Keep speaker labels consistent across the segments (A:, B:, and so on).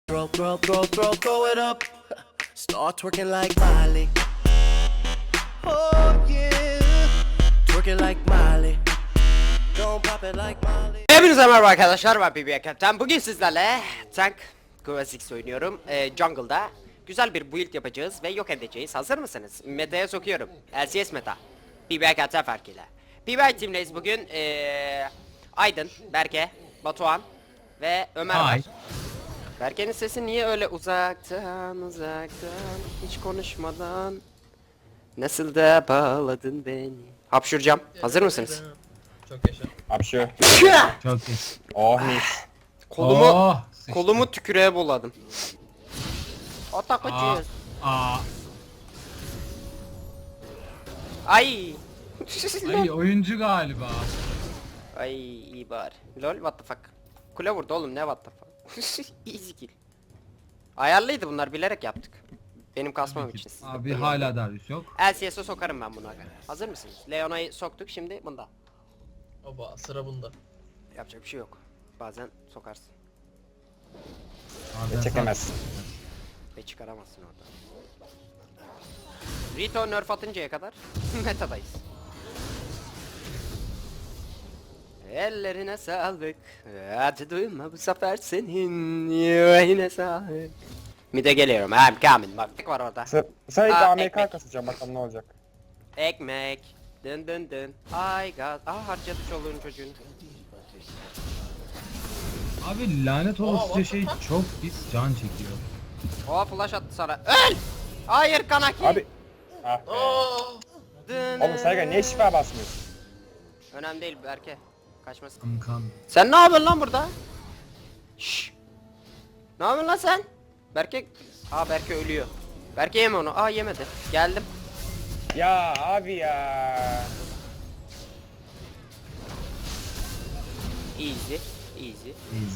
A: Throw it up. Start twerking like Miley. Oh yeah. Twerking like Miley. Don't pop it like Miley.
B: Hepinize merhaba arkadaşlar, ben BB Captain. Bugün sizlerle Tank Classics oynuyorum. Jungle'da güzel bir build yapacağız ve yok edeceğiz. Hazır mısınız? Meta'ya sokuyorum. LCS meta. BB Captain farkıyla. BB Team'leyiz bugün. Aydın, Berke, Batuhan ve Ömer var. Berke'nin sesi niye öyle uzaktan hiç konuşmadan nasıl da bağladın beni. Hapşuracağım. Hazır mısınız?
C: Çok yaşa.
D: Hapşu.
E: Çok iyi.
D: Oh mis.
B: Kolumu
E: Oh, sıçtı.
B: kolumu tükürüğe buladım. Atak acıyor.
E: Aa,
B: Ay.
E: ay oyuncu galiba.
B: Ay iyi bari. Lol what the fuck. Kule vurdu oğlum, ne what the fuck. Easy kill. Ayarlıydı bunlar, bilerek yaptık. Benim kasmam için.
E: Abi hala Darius yok.
B: LCS'e sokarım ben bunu aga. Hazır mısınız? Leona'yı soktuk, şimdi bunda.
C: Oba, sıra bunda.
B: Yapacak bir şey yok. Bazen sokarsın
E: Abi
D: Çekemezsin.
B: ve çıkaramazsın orada. Rito nerf atıncaya kadar metadayız. Ellerine sağlık. Hadi duyma bu sefer senin yüreğine sağlık. Mide geliyorum. I'm coming. Bak tek var orada.
D: Sadece
B: Aa,
D: AMK
B: ekmek.
D: kasacağım, bakalım ne olacak.
B: Ekmek. Dın dın dın. Ay gaz. Harcadı çoluğun çocuğunu.
E: Abi lanet olası şey çok pis can çekiyor.
B: Oha flash attı sana. Öl! Hayır Kanaki.
D: Abi. Ah be.
B: Dın.
D: Oğlum Sergen niye şifa basmıyorsun?
B: Önemli değil Berke. Kaçmasın.
E: Kankan.
B: Sen ne yapıyorsun lan burada? Şşş. Ne yapıyorsun lan sen? Berke... Berke ölüyor. Berke yeme onu. Yemedi. Geldim.
D: Ya abi ya.
B: Easy. Easy.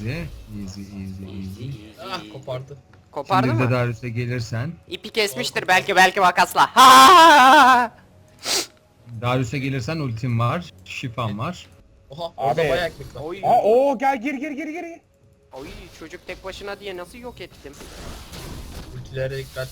E: Easy.
C: Ah, kopardı.
B: Kopardı
E: Şimdi de
B: mı?
E: Darius'a gelirsen.
B: İpi kesmiştir belki makasla. Ha!
E: Darius'a gelirsen ultim var. Şifam var.
C: Oha, orada
D: Abi.
C: bayağı ekmek var.
B: Oy.
D: Gel gir.
B: Oy çocuk tek başına diye nasıl yok ettim?
C: Ultilere dikkat.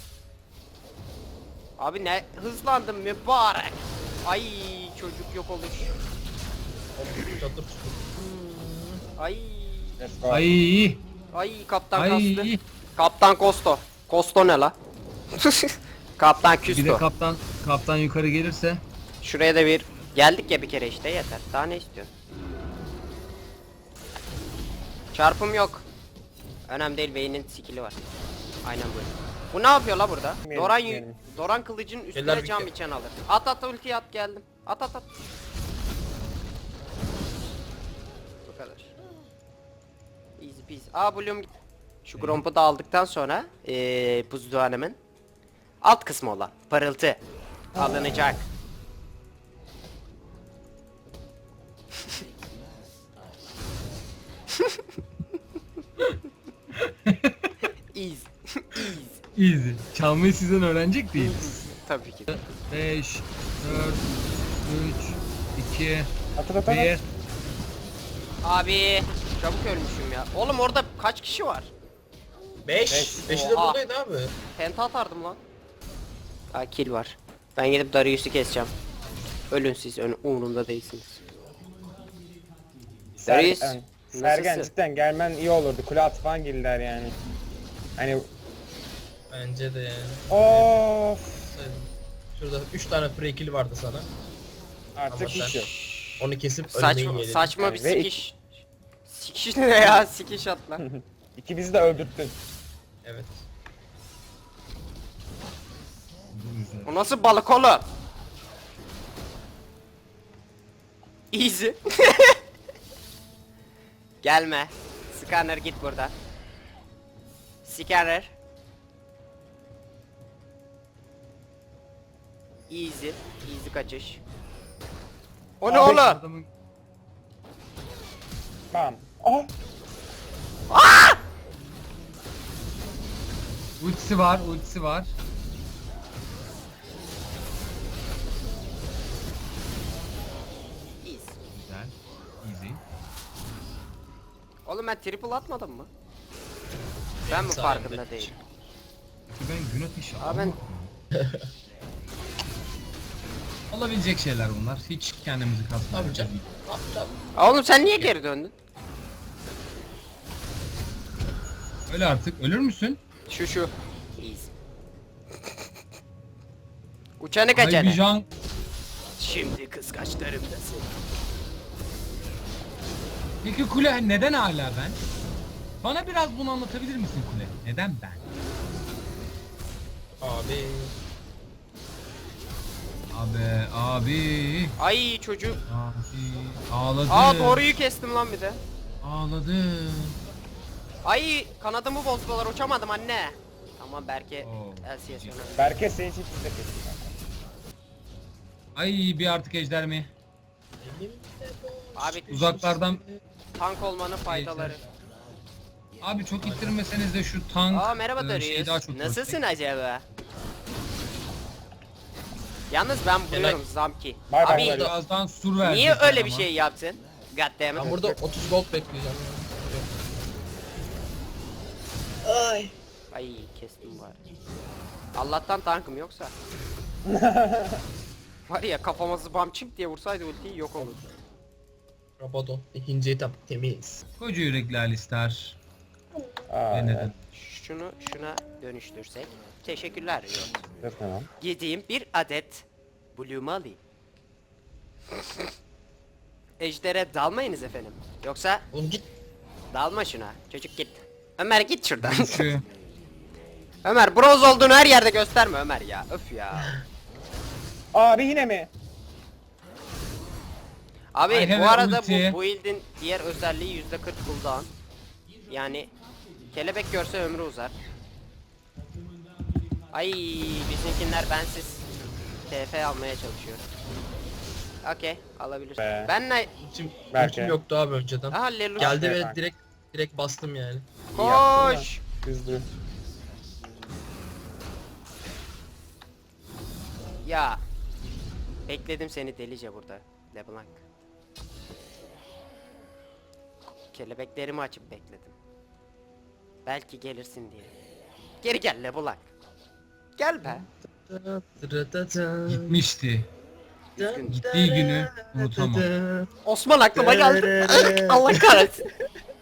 B: Abi ne hızlandım mübarek. Ay çocuk yok oluş.
C: Hop, çatır çutur.
B: Ay.
D: Let's go.
E: Ay.
B: Kaptan kastı.
E: Ay.
B: Kaptan Kosto. Kosto ne la? Kaptan
E: Bir de
B: Küsto.
E: kaptan yukarı gelirse.
B: Şuraya da bir geldik ya bir kere, işte yeter. Daha ne istiyorsun? Çarpım yok. Önemli değil, beynin skill'i var. Aynen böyle. Bu ne yapıyor la burada?
D: Bilmiyorum.
B: Doran kılıcın üstüne
C: Eller
B: cam
C: bitti.
B: içen alır. At ultiyi at, geldim. At. Bu kadar. Easy peasy. Bloom. Şu Gromp'u da aldıktan sonra buzduhanemin alt kısmı olan parıltı alınacak. Easy.
E: Easy. Çalmayı sizden öğrenecek değiliz.
B: Tabii ki.
E: 5, 4, 3, 2,
D: At.
E: 1.
B: Abi çabuk ölmüşüm ya. Oğlum orada kaç kişi var?
C: 5. 5'i de
B: Oha.
C: buradaydı abi.
B: Penta atardım lan. Kill var. Ben gidip Darius'u keseceğim. Ölün siz, umurumda değilsiniz. Darius,
D: Sergen
B: nasılsın?
D: cidden gelmen iyi olurdu. Kule at falan girdiler yani. Hani
C: Bence de yani.
D: of.
C: Şurada 3 tane free kill vardı sana.
D: Artık
C: Ama
D: hiç
C: sen-
D: yok.
C: Onu kesip ölmeyi
B: Saçma,
C: yedim.
B: saçma bir
D: Ve
B: sikiş. Sikiş ne ya? Sikiş at lan.
D: İkimizi de öldürttün.
C: Evet.
B: O nasıl balık oğlum? Easy. Gelme. Scanner git buradan. Scanner. Easy. Easy kaçış. O ne
D: Abi,
B: oğlum?
E: Adamın
D: Tamam. Oh.
E: ultisi var.
B: Easy.
E: Güzel. Easy.
B: Oğlum ben triple atmadım mı? Ben mi
C: sayemde.
B: farkında değilim?
E: Çünkü ben gün ateşi
B: Abi ben
E: Olabilecek şeyler bunlar. Hiç kendimizi
C: Tabii
E: kasmayalım.
C: canım. Tabii.
B: Oğlum sen niye geri döndün?
E: Öyle artık. Ölür müsün?
B: Şu. İyiyiz. Uçanı
E: Ay bir
B: kaçanı.
E: can.
B: Şimdi kıskaçlarımdasın.
E: Peki kule neden hala ben? Bana biraz bunu anlatabilir misin kule? Neden ben?
C: Abi.
E: Abi.
B: Ay çocuk.
E: Abi. Ağladı.
B: Aa doğruyu kestim lan bir de.
E: Ağladı.
B: Ay kanadımı bozdular uçamadım anne. Tamam Berke
E: Oo.
B: LCS önemli.
D: Berke senin için piste kesin.
E: Ay bir artık ejder mi?
B: Abi
E: Uzaklardan.
B: tank olmanın faydaları.
E: Abi çok ittirmeseniz de şu tank
B: Aa merhaba
E: şeyi daha
B: Darius.
E: çok
B: Nasılsın acaba? Yalnız ben buluyorum Zamki.
D: Bay bay
B: Abi
D: Darius.
E: Birazdan sur verecekler
B: niye öyle
E: ama.
B: bir şey yaptın? Goddammit.
C: Ben burada 30 gold bekleyeceğim.
B: Ay kestim bari. Allah'tan tankım yoksa. Var ya kafama zıbam çimp diye vursaydı ultiyi yok olurdu.
C: Rabadon. İkinci etap temiz.
E: Koca yürekli Alistar.
D: Aa,
E: Ve neden?
B: Şuna dönüştürsek. Teşekkürler Riot.
D: Yok tamam.
B: Yediğim bir adet Bloom'u alayım. Ejder'e dalmayınız efendim. Yoksa
C: Oğlum git.
B: dalma şuna. Çocuk git. Ömer git şuradan.
E: Şu
B: Ömer bronz olduğunu her yerde gösterme Ömer ya. Öf ya.
D: Abi yine mi?
B: Abi
E: I have
B: bu
E: a
B: arada
E: ulti.
B: bu build'in diğer özelliği %40 cooldown. Yani kelebek görse ömrü uzar. Ay bizimkinler bensiz TF almaya çalışıyor. Okey alabilir.
D: Be.
B: Ben ne?
D: Berke.
C: Ultim yoktu abi önceden.
B: Aha Lelus.
C: Geldi
D: Berke.
C: ve direkt bastım yani.
B: Koş.
D: Hızlı.
B: Ya. Bekledim seni delice burada. LeBlanc. Kelebeklerimi açıp bekledim. Belki gelirsin diye. Geri gel LeBlanc. Gel be.
E: gitmişti.
B: Üzgün.
E: Gittiği günü unutamam.
B: Osman aklıma geldi. Allah kahretsin.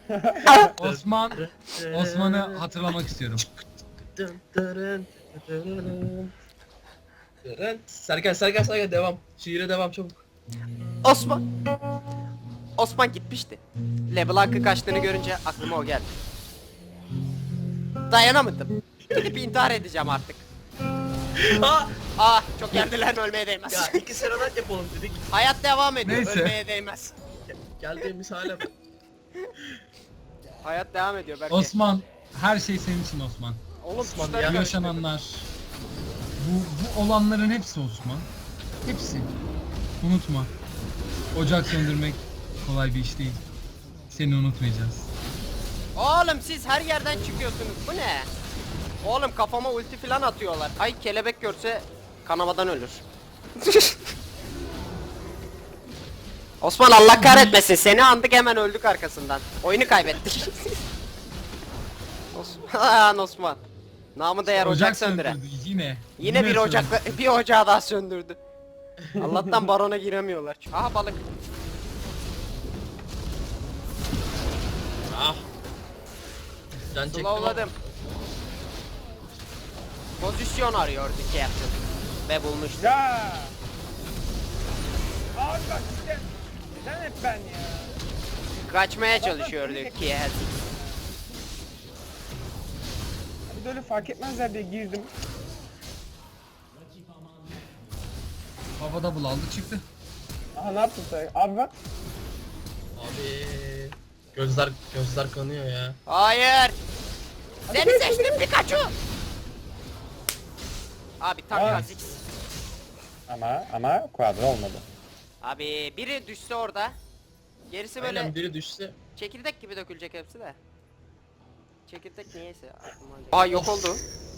E: Osman'ı hatırlamak istiyorum.
C: Serkan devam. Şiire devam çabuk.
B: Osman. Osman gitmişti. LeBlanc'ın kaçtığını görünce aklıma o geldi. Dayanamadım. Gidip intihar edeceğim artık. Ah çok yerdiler ölmeye değmez.
C: Ya iki sıradan yapalım dedik.
B: Hayat devam ediyor
E: Neyse.
B: ölmeye değmez.
C: Geldiğimiz hale bak.
B: Hayat devam ediyor belki.
E: Osman, her şey senin için Osman.
B: Oğlum
C: Osman
B: tuşları
C: ya.
E: Bu
B: karıştırdım.
E: yaşananlar, bu olanların hepsi Osman. Hepsi. Unutma. Ocak söndürmek kolay bir iş değil. Seni unutmayacağız.
B: Oğlum siz her yerden çıkıyorsunuz. Bu ne? Oğlum kafama ulti falan atıyorlar. Ay kelebek görse kanamadan ölür. Osman Allah kahretmesin. Seni andık hemen öldük arkasından. Oyunu kaybettik. Osman. Osman. Namı değer ocak söndüren.
E: söndürdü yine.
B: Yine bir
E: söndürdü.
B: bir ocağı daha söndürdü. Allah'tan barona giremiyorlar. Aha balık.
C: Ah. Can çektim ama.
B: Slowladım. Pozisyon arıyordu Captain. Ve bulmuştu.
D: Ya. Abi bak işte. Neden hep ben ya?
B: Kaçmaya çalışıyordu ki.
D: Bir de öyle fark etmezler diye girdim.
E: Havada bulaldı çıktı.
D: Aha ne yaptın sen? Abi bak.
C: Abi. Gözler kanıyor ya.
B: Hayır. Seni seçtim Pikachu. Abi tam
D: Aa.
B: Kha'Zix.
D: Ama kuadro olmadı.
B: Abi biri düşse orada. Gerisi böyle
C: Aynen biri düşse.
B: çekirdek gibi dökülecek hepsi de. Çekirdek niyeyse aklıma geldi. Aa yok oldu.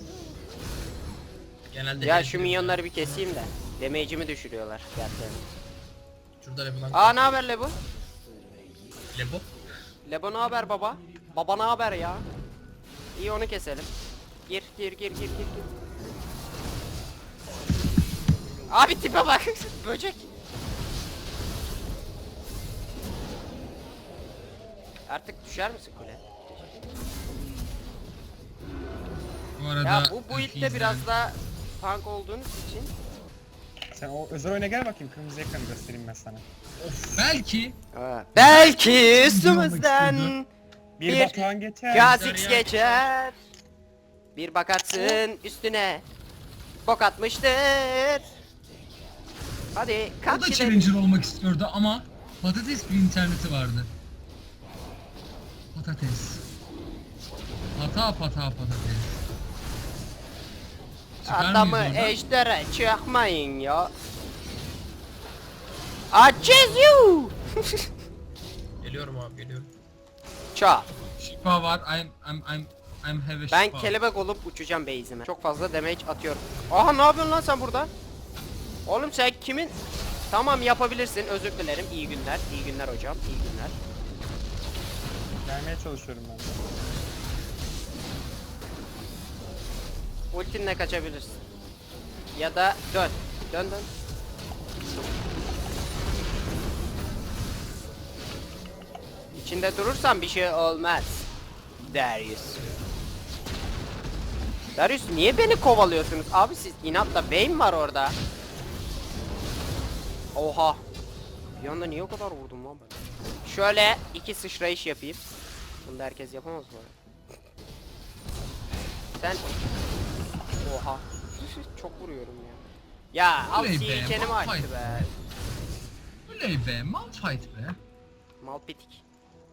C: Genelde
B: Ya
C: herif
B: şu
C: diyor.
B: minyonları bir keseyim de. Damage'imi düşürüyorlar gerçekten.
C: Şurada Leblanc.
B: Aa ne haber Lebo?
C: Lebo.
B: Lebo ne haber baba? Baba ne haber ya? İyi onu keselim. Gir. Abi tipe bak. Böcek. Artık düşer misin kule?
E: Bu arada
B: Ya bu build'de biraz daha tank olduğunuz için
D: Sen o özel oyuna gel bakayım, kırmızı ekranı göstereyim ben sana.
E: belki
B: belki üstümüzden
D: Bir
B: Bir
D: Batuhan geçer.
B: Kha'Zix geçer. Bir bakarsın üstüne bok atmıştır. Hadi
E: o
B: kalk
E: da
B: gidelim.
E: challenger olmak istiyordu ama patates bir interneti vardı. Patates. Patates. Çıkar
B: Adamı
E: mıyız oradan?
B: ejdere çıkmayın ya. Açız you.
C: Geliyorum abi geliyorum.
B: Ça.
E: Şifa var. I'm have a şifa.
B: Ben kelebek olup uçacağım base'ime. Çok fazla damage atıyorum. Aha ne yapıyorsun lan sen burada? Oğlum sen kimin? Tamam yapabilirsin. Özür dilerim. İyi günler. İyi günler hocam. İyi günler.
D: Gelmeye çalışıyorum ben de.
B: Ultinle kaçabilirsin. Ya da dön. Dön. İçinde durursan bir şey olmaz. Darius niye beni kovalıyorsunuz? Abi siz inatla Vayne var orada. Oha. Bir anda niye o kadar vurdum lan ben? Şöyle iki sıçrayış yapayım. Bunu da herkes yapamaz bu arada. Sen... Oha. Çok vuruyorum ya. Ya al
E: Oley be,
B: kendimi açtı
E: Malphite
B: be.
E: Oley be, Malphite be.
B: Malpitik.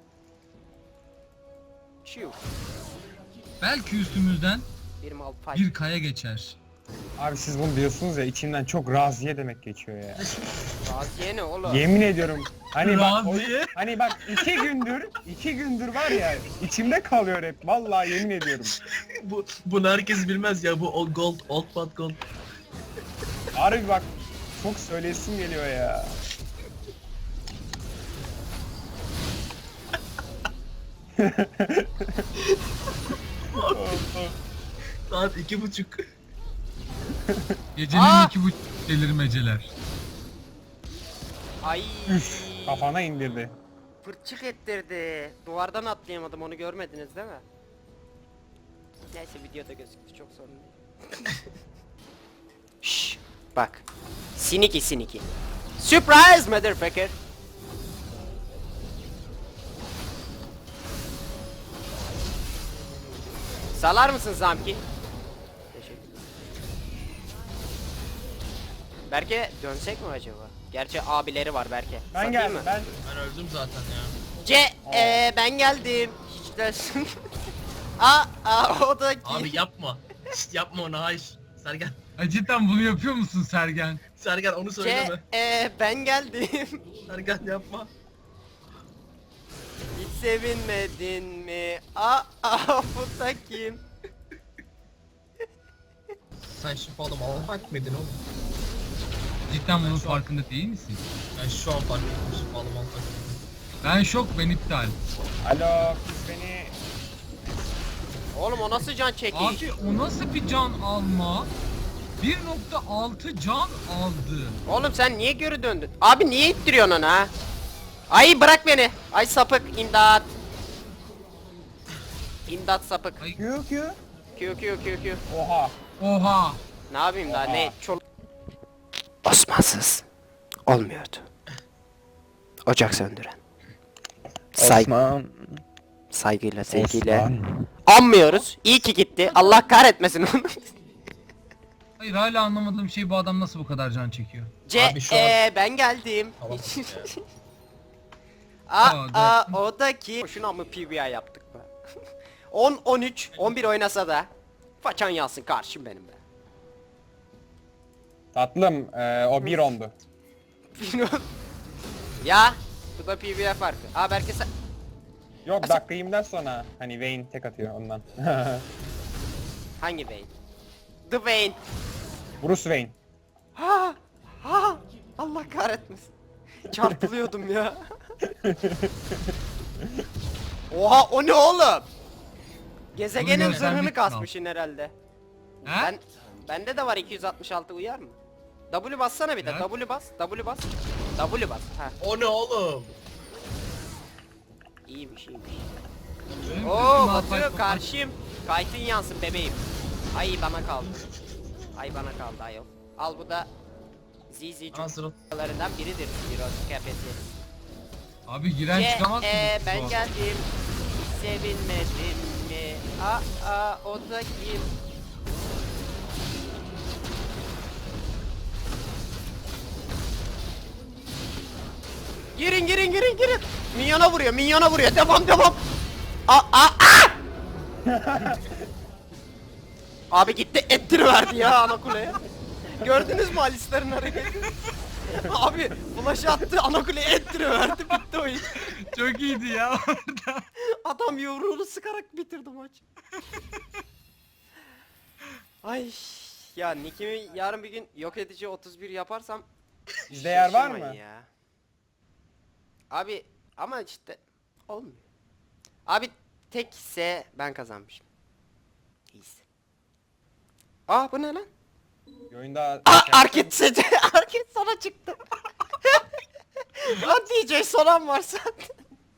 B: Çiu.
E: Belki üstümüzden
B: Bir Malphite.
E: bir kaya geçer.
D: Abi siz bunu diyorsunuz ya, içimden çok raziye demek geçiyor ya.
B: Raziye ne oğlum?
D: Yemin ediyorum. Hani bak,
E: Raziye?
D: hani bak iki gündür var ya, içimde kalıyor hep. Vallahi yemin ediyorum.
C: Bunu herkes bilmez ya, bu old gold, old but gold.
D: Harbi bak, çok söylesim geliyor ya.
C: Saat 2:30.
E: Gecenin
B: Aa!
E: 2:30 delirmeceler.
B: Ay.
D: Kafana indirdi.
B: Fırçık ettirdi. Duvardan atlayamadım, onu görmediniz değil mi? Neyse videoda gözüktü, çok sorun değil. Şşş bak. Siniki. Surprise motherfucker. Salar mısın Zamki? Teşekkür. Berke dönsek mi acaba? Gerçi abileri var Berke.
D: Ben
B: Satayım
D: geldim,
B: mı?
D: ben.
C: Ben öldüm zaten ya.
B: Ben geldim. Hiç dersin. O da
C: Abi yapma. Şşt, yapma onu, hayır. Sergen.
E: Ay cidden bunu yapıyor musun Sergen?
C: Sergen onu söyleme.
B: Ben geldim.
C: Sergen yapma.
B: Hiç sevinmedin mi? Bu da kim?
C: Sen şifalı Malphite miydin oğlum?
E: Cidden bunun farkında değil misin?
C: Ben şu an fark ettim şifalı Malphite.
E: Ben şok, ben iptal.
D: Alo, kız beni.
B: Oğlum o nasıl can çekiş?
E: Abi o nasıl bir can alma? 1.6 can aldı.
B: Oğlum sen niye geri döndün? Abi niye ittiriyorsun onu ha? Ay bırak beni. Ay sapık, imdat. İmdat sapık.
E: Ay.
B: Q.
D: Oha.
E: Oha.
B: Ne yapayım daha
D: Oha.
B: ne? Osmansız olmuyordu. Ocak söndüren. Saygıyla, sevgiyle. Anmıyoruz. İyi ki gitti. Allah kahretmesin onu.
E: Hayır, hala anlamadığım şey, bu adam nasıl bu kadar can çekiyor?
C: Abi şu an-
B: Ben geldim.
C: Tamam.
B: O da ki. Şuna mı PBI yaptık be? 10, 13, 11 oynasa da façan yansın karşım benim be.
D: Tatlım, o bir ondu.
B: Ya bu da PBI farkı. Belki sen...
D: Yok, dakika 20'den sonra hani Vayne tek atıyor ondan.
B: Hangi Vayne? The Vayne.
D: Bruce Wayne.
B: Ha! Allah kahretmesin. Çarpılıyordum ya. Oha o ne oğlum? Gezegenin
E: Bunu
B: zırhını
E: göstermek
B: kasmışsın herhalde.
E: Ha?
B: Bende de var 266 uyar mı? W bassana bir de.
E: Ya.
B: W bas. W bas. W bas. Ha.
C: O ne oğlum?
B: İyiymiş.
E: Benim
B: Oo
E: kızım
B: batıyor
E: Alpay-
B: karşıyım. Kaytın yansın bebeğim. Ay bana kaldı. Ay bana kaldı ayol. Al bu da ZZ
C: Hazır ol.
B: çocuklarından biridir. Heroes kafesi.
E: Abi giren çıkamaz mı?
B: Ben
E: Bu-
B: geldim. Sevinmedin mi? Aa o da kim? Girin. Minyona vuruyor. Devam. Aa! Abi gitti ettiriverdi ya ana kuleye. Gördünüz mü Alistar'ın hareketi? Abi flash attı ana kuleye ettiriverdi bitti oyun.
E: Çok iyiydi ya orada.
B: Adam yumruğunu sıkarak bitirdi maç. Ay ya Nick'imi yarın bir gün yok edici 31 yaparsam
D: Bizde yer var
B: şaşırmayın
D: mı?
B: ya. Abi ama işte olmuyor. Abi tekse ben kazanmışım. İyisi. Aa bu ne lan?
D: Bir oyunda
B: Arket seti. Arket sana çıktı. Lan DJ soran var zaten.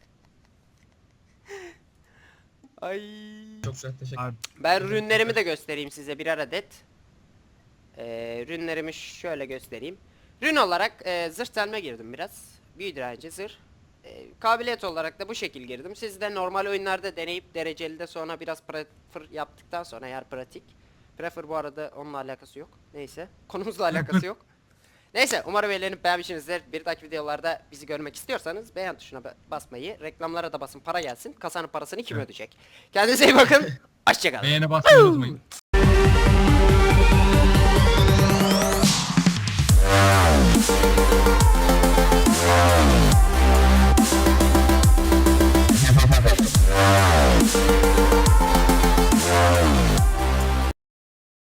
B: Ay.
C: Çok güzel teşekkür
E: Abi,
B: Ben ürünlerimi de göstereyim size birer adet. Ürünlerimi şöyle göstereyim. Rün olarak zırh delme girdim biraz. Büyü direnci zırh. Kabiliyet olarak da bu şekil girdim. Siz de normal oyunlarda deneyip dereceli de sonra biraz prefer yaptıktan sonra eğer pratik. Prefer bu arada onunla alakası yok. Neyse. Konumuzla alakası yok. Neyse umarım eğlenip beğenmişsinizdir. Bir dahaki videolarda bizi görmek istiyorsanız beğen tuşuna basmayı, reklamlara da basın para gelsin. Kasanın parasını kim ödeyecek? Kendinize iyi bakın. Hoşçakalın.
E: beğene basmayı unutmayın.